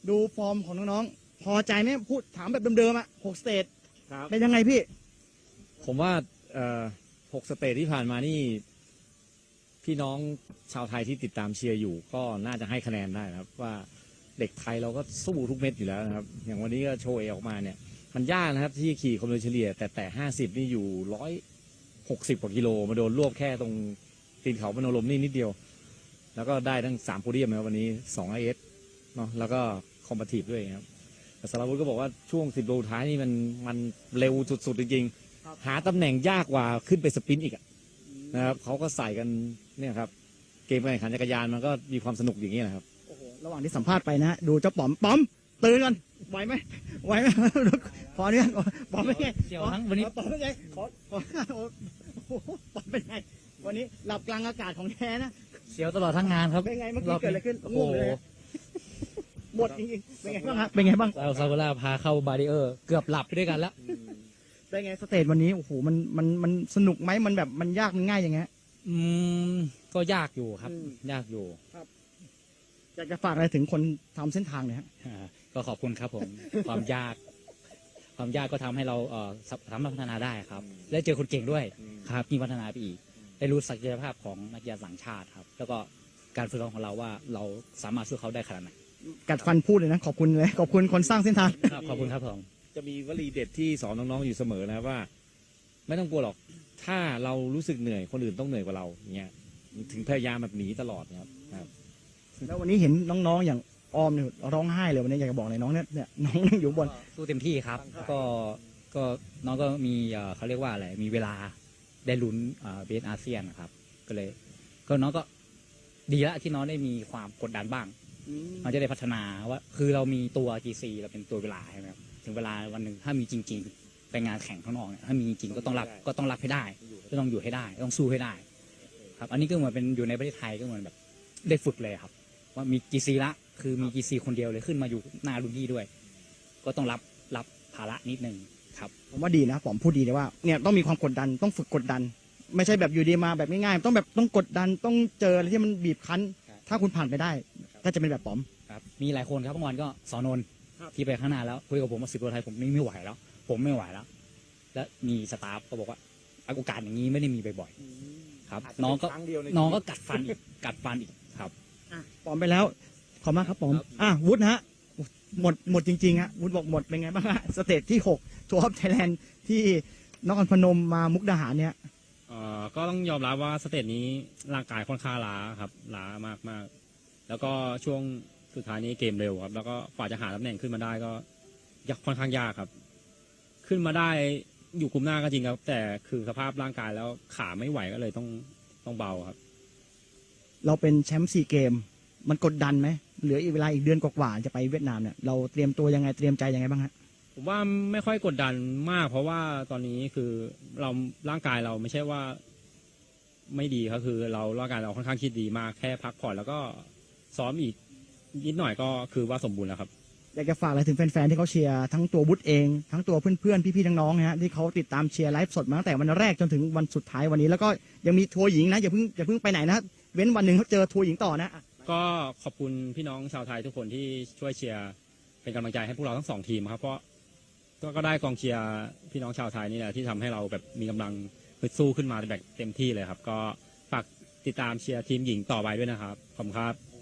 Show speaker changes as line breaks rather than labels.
ดูฟอร์มของน้องๆพอใจไหมพูดถามแบบเดิมๆอะ6 สเตจ
ครับ
เป็นยังไงพี่
ผมว่า6 สเตจที่ผ่านมานี่พี่น้องชาวไทยที่ติดตามเชียร์อยู่ก็น่าจะให้คะแนนได้นะครับว่าเด็กไทยเราก็สู้ทุกเม็ดอยู่แล้วนะครับอย่างวันนี้ก็โชว์เอออกมาเนี่ยมันยากนะครับที่ขี่ความเร็วเฉลี่ยแต่50นี่อยู่160 กว่ากิโลมาโดนรวบแค่ตรงตีนเขาพนมลมนี่นิดเดียวแล้วก็ได้ทั้ง3โพเดียมนะครับวันนี้2 IS เนาะแล้วก็คอมบัตทีฟด้วยครับแต่สารวุฒิก็บอกว่าช่วง10 โลท้ายนี่มันเร็วสุดๆจริงๆหาตำแหน่งยากกว่าขึ้นไปสปรินต์อีกนะครับเขาก็ใส่กันเนี่ยครับเกมการแข่งขันจักรยานมันก็มีความสนุกอย่างนี้นะครับ
โอ้โหระหว่างที่สัมภาษณ์ไปนะฮะดูเจ้าป๋อมตื่นกันไหวไหมพอเนี่ยป๋อมเป็นไง
เดี๋ยวทั้งวันนี้
ป๋อมเป็นไงขอโอ้โหป๋อมเป็นไงวันนี้หลับกลางอากาศของแท้นะ
เสียวตลอดทั้งงานครับ
เป็นไงเมื่อกี้เกิดอะไรขึ้น
โอ้โห
ง่วงเลยฮะหมดจริงๆเป็นไงบ้างครับเป็นไงบ้าง
เราซากุระพาเข้าบาริเออร์เกือบหลับไปด้วยกันแล้ว
เป็นไงสเตจวันนี้โอ้โหมันสนุกไหมมันแบบมันยากมันง่ายยังไงฮะ
ก็ยากอยู่ครับ
อืม
ยากอยู่
อยากจะฝากอะไรถึงคนทำเส้นทางเนี่ยฮะ
ก็ขอบคุณครับผม ความยากก็ทำให้เราสามารถพัฒนาได้ครับและเจอคนเก่งด้วยครับยิ่งพัฒนาไปอีกได้รู้ศักยภาพของนักกีฬาต่างชาติครับ แล้วก็การฝึกซ้อมของเราว่าเราสามารถสู้เขาได้ขนาดไหน
กัดฟันพูดเลยนะขอบคุณเลยขอบคุณคนสร้างเส้นทาง
ครับขอบคุณครับผม
จะมีวลีเด็ดที่สอนน้องๆอยู่เสมอนะครับว่า ไม่ต้องกลัวหรอกถ้าเรารู้สึกเหนื่อยคนอื่นต้องเหนื่อยกว่าเราอย่างเงี้ยถึงพยายามแบบหนีตลอดนะครับ
แล้ววันนี้เห็นน้องๆอย่างออมเนี่ยร้องไห้เลยวันนี้อยากจะบอกเลยน้องเนี่ยน้องนั่งอยู่บน
สู้เต็มที่ครับ ก็น้องก็มีเขาเรียกว่าอะไรมีเวลาได้ลุ้นเบสอาเซียนครับก็เลยก็น้องก็ดีแล้วที่น้องได้มีความกดดันบ้างน้องจะได้พัฒนาว่าคือเรามีตัว GC เราเป็นตัวเวลาใช่ไหมครับถึงเวลาวันหนึ่งถ้ามีจริงๆไปงานแข่งข้างนอกเนี่ยถ้ามีจริงก็ต้องรับให้ได้ก็ต้องอยู่ให้ได้ต้องสู้ให้ได้ครับอันนี้ก็เหมือนเป็นอยู่ในประเทศไทยก็เหมือนแบบได้ฝึกเลยครับว่ามี GC ละคือมี GC คนเดียวเลยขึ้นมาอยู่หน้ารุ่นพี่ด้วย ก็ต้องรับภาระนิดนึงครับ
ผมว่าดีนะผมพูดดีเลยว่าเนี่ยต้องมีความกดดันต้องฝึกกดดัน ไม่ใช่แบบอยู่ดีมาแบบง่ายๆต้องกดดันต้องเจออะไรที่มันบีบคั้น ถ้าคุณผ่านไปได้ ก็จะเป็นแบบป๋อม
ครับมีหลายคนครับเมื่อวานก็สอนนท์ที่ไปข้างหน้าแล้วคุยกับผมว่า10 โลไทยผมไม่ไหวแล้ว ผมไม่ไหวแล้ว แล้วมีสตาฟก็บอกว่าโอกาสอย่างนี้ไม่ได้มีบ่อยๆครับน้องก็กัดฟันอีกครับ
ป๋อมไปแล้วขอบมากครับป๋อมวุฒิฮะหมดจริงๆฮะวุฒิบอกหมดเป็นไงบ้างฮะสเตจที่6ทัวร์ออฟไทยแลนด์ที่นครพนมมามุกดาหารเนี่ย
ก็ต้องยอมรับว่าสเตจนี้ร่างกายค่อนข้างล้าครับล้ามากแล้วก็ช่วงสุดท้ายนี้เกมเร็วครับแล้วก็กว่าจะหาตำแหน่งขึ้นมาได้ก็ค่อนข้างยากครับ ขึ้นมาได้อยู่กลุ่มหน้าก็จริงครับแต่คือสภาพร่างกายแล้วขาไม่ไหวก็เลยต้องเบาครับ
เราเป็นแชมป์ซีเกมมันกดดันไหมเหลืออีกเวลาอีกเดือนกว่าๆจะไปเวียดนามเนี่ยเราเตรียมตัวยังไงเตรียมใจยังไงบ้างฮะ
ผมว่าไม่ค่อยกดดันมาก เพราะว่าตอนนี้คือเราร่างกายเราไม่ใช่ว่าไม่ดีครับคือเราร่างกายเราค่อนข้างคิดดีมากแค่พักผ่อนแล้วก็ซ้อมอีกนิดหน่อยก็คือว่าสมบูรณ์แล้วครับ
อยากจะฝากอะไรถึงแฟนๆที่เขาเชียร์ทั้งตัววุฒิเองทั้งตัวเพื่อนๆพี่ๆน้องๆนะฮะที่เขาติดตามเชียร์ไลฟ์สดมาตั้งแต่วันแรกจนถึงวันสุดท้ายวันนี้แล้วก็ยังมีทัวร์หญิงนะอย่าเพิ่งไปไหนนะเว้นวันหนึ่งเขาเจอทัวร์หญิงต่อนะ
ก็ขอบคุณพี่น้องชาวไทยทุกคนที่ช่วยเชียร์เป็นกำลังใจให้พวกเราทั้ง2 ทีมครับเพราะก็ได้กองเชียร์พี่น้องชาวไทยนี่แหละที่ทำให้เราแบบมีกำลังฮึดสู้ขึ้นมาแบบเต็มที่เลยครับก็ฝากติดตามเชียร์ทีมหญิงต่อไปด้วยนะครับขอบคุณครับ